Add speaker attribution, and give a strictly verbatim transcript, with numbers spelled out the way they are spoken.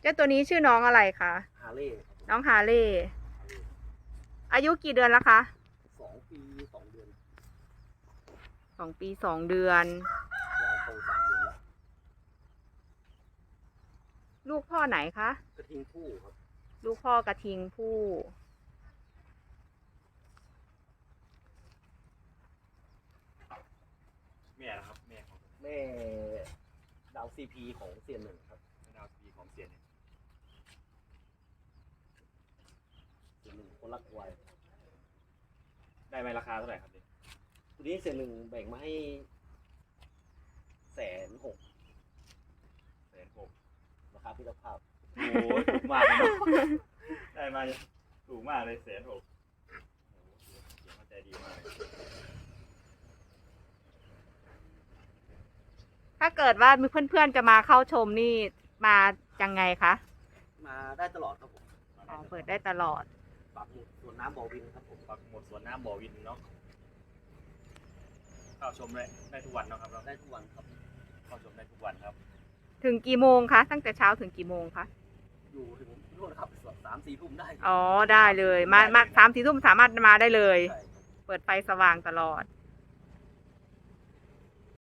Speaker 1: จ้าตัวนี้ชื่อน้องอะไรคะ
Speaker 2: ฮาเล่
Speaker 1: น้องฮาเล่อายุกี่เดือนแล้วคะ
Speaker 2: สองปีสองเดือน
Speaker 1: สองปีสองเดือน
Speaker 2: ย่างเข้าสามเดือนแล้ว
Speaker 1: ลูกพ่อไหนคะ
Speaker 2: กระทิงผู้ครับ
Speaker 1: ลูกพ่อกระทิงผู้
Speaker 3: แม่นะครับแม่ของ
Speaker 2: แม่ดาวซีพีของเซียนหนึ่งครับ
Speaker 3: ดาวซีของเสียเนี่ย
Speaker 2: เซียนหนึ่งคนรักวัย
Speaker 3: ได้ไหมราคาเท่าไหร่ครับเนี่ย
Speaker 2: ตัวนี้เซียนหนึ่งแบ่งมาให้แสนหก
Speaker 3: แสนหก
Speaker 2: ราคาพิจารณา
Speaker 3: โอ้โหถูกมากเลยได้มาถูกมากเลยแสนหกโอ้โหเสียงมันใจดีมากเลย
Speaker 1: ถ้าเกิดว่ามีเพื่อนๆจะมาเข้าชมนี่มายังไงคะ
Speaker 2: มาได้ตลอดครับผม
Speaker 1: อ๋อเปิดได้ตลอด
Speaker 2: ปักหมุดสวนน้ำบ่อวินครับผม
Speaker 3: ปักหมุดสวนน้ำบ่อวินเนาะเข้าชมได้ได้ทุกวันเนาะครับเรา
Speaker 2: ได้ทุกวันครับ
Speaker 3: เข้าชมได้ทุกวันครับ
Speaker 1: ถึงกี่โมงคะตั้งแต่เช้าถึงกี่โมงคะ
Speaker 2: อยู่ถึงนู่นครับสามสี่ทุ่มได้
Speaker 1: อ๋อได้เลยมามาสามสี่ทุ่มสามารถมาได้เลยเปิดไฟสว่างตลอด